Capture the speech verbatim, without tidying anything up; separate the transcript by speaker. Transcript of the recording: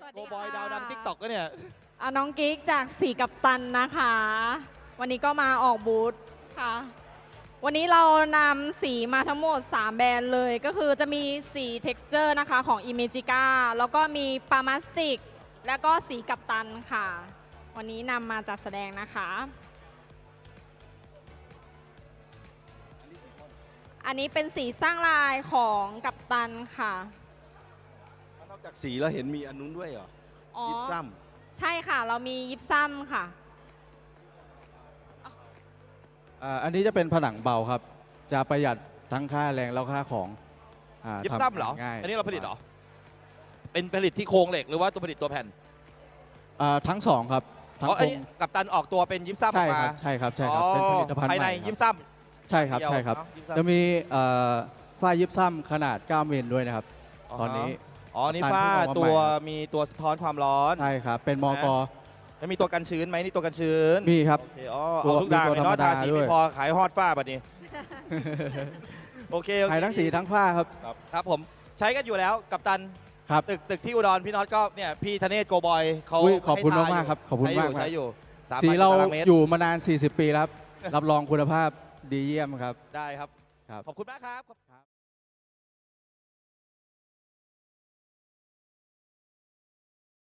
Speaker 1: วัส
Speaker 2: โก
Speaker 1: ดี
Speaker 2: บอย
Speaker 1: ค่ะ
Speaker 2: ดาวดังทิกตอกก็เนี่ย
Speaker 1: อ่ะน้องกิ๊กจากสีกัปตันนะคะ วันนี้ก็มาออกบูธค่ะ วันนี้เรานำสีมาทั้งหมด สาม แบรนด์เลย ก็คือจะมีสี texture นะคะของ Imagica แล้วก็มีปามาสติก แล้วก็สีกัปตันค่ะ วันนี้นำมาจัดแสดงนะคะ อันนี้เป็นสีสร้างลายของกัปตันค่ะ
Speaker 3: นอกจากสีแล้วเห็นมีอันนู้นด้วยเหรอ
Speaker 1: อ๋อ
Speaker 3: ยิบซ้
Speaker 1: ใช่ค่ะ เรามียิปซัมค่ะ
Speaker 4: อ่าอันนี้จะเป็นผนังเบาครับ จะประหยัดทั้งค่าแรงแล้วค่าของอ่า
Speaker 2: ยิบ
Speaker 4: ทำ
Speaker 2: ซ้ำเหรอ
Speaker 4: ง่าย
Speaker 2: อันนี้เราผลิตเหรอ เป็นผลิตที่โครงเหล็กหรือว่าตัวผลิตตัวแผ่น
Speaker 4: อ่าทั้งสองครับทั้ง
Speaker 2: อ๋อ
Speaker 4: โค
Speaker 2: ไอ้
Speaker 4: รง
Speaker 2: กัปตันออกตัวเป็นยิปซัมอ
Speaker 4: ใช่
Speaker 2: อก
Speaker 4: ค
Speaker 2: มา
Speaker 4: รับใช่ครับใช่ครับเป็นผลิตภัณฑ์
Speaker 2: ภาย
Speaker 4: ให
Speaker 2: ใน
Speaker 4: ม่
Speaker 2: ยิป
Speaker 4: ครับ
Speaker 2: ซัม
Speaker 4: ใช่ครับใช่ครับ
Speaker 2: เดียวเนอะยิปซัม
Speaker 4: จะมีเอ่อฝ้ายิบซ้ำขนาดเก้ามิลด้วยนะครับ ตอนนี้
Speaker 2: อ๋อ นี่
Speaker 4: กัปตัน
Speaker 2: ฝ้า
Speaker 4: เพิ่งออกมา
Speaker 2: ตัว
Speaker 4: ใหม่ครับ
Speaker 2: มีตัวสะท้อนความร้อน
Speaker 4: ใช่ครับเป็นมก
Speaker 2: แล้วมีตัวกันชื้นไหมนี่ตัวกันชื้น
Speaker 4: มีครับ
Speaker 2: โอเคอ๋อ
Speaker 4: ตัว
Speaker 2: เอาทุกด่าง
Speaker 4: มี
Speaker 2: เลย
Speaker 4: ตัว
Speaker 2: เนาะ
Speaker 4: ธรรมดา
Speaker 2: ทาสี
Speaker 4: ด้ว
Speaker 2: ไม่
Speaker 4: ย
Speaker 2: พอขายฮอดฝ้าแบบนี้ โอเคโอเค
Speaker 4: ขายทั้งสีทั้งฝ้าครับ
Speaker 2: ครับครับผมใช้กันอยู่แล้วกัปตัน
Speaker 4: ครับ
Speaker 2: ตึกตึกที่อุดรพี่น็อตก็เนี่ยพี่ธเนศโกบอยเขา
Speaker 4: อุ๊ยขอบคุณ
Speaker 2: ให้ท
Speaker 4: มากๆครับขอบคุณ
Speaker 2: ใช้ยู่
Speaker 4: มากครับ
Speaker 2: ใช้อยู่สาม
Speaker 4: สี
Speaker 2: พัน
Speaker 4: เรา
Speaker 2: ตารางเมตร
Speaker 4: อยู่มานาน สี่สิบ ปีแล้วครับ รับรองคุณภาพดีเยี่ยมครับ
Speaker 2: ได้ครับ
Speaker 4: ครับ
Speaker 2: ขอบคุณมากครับ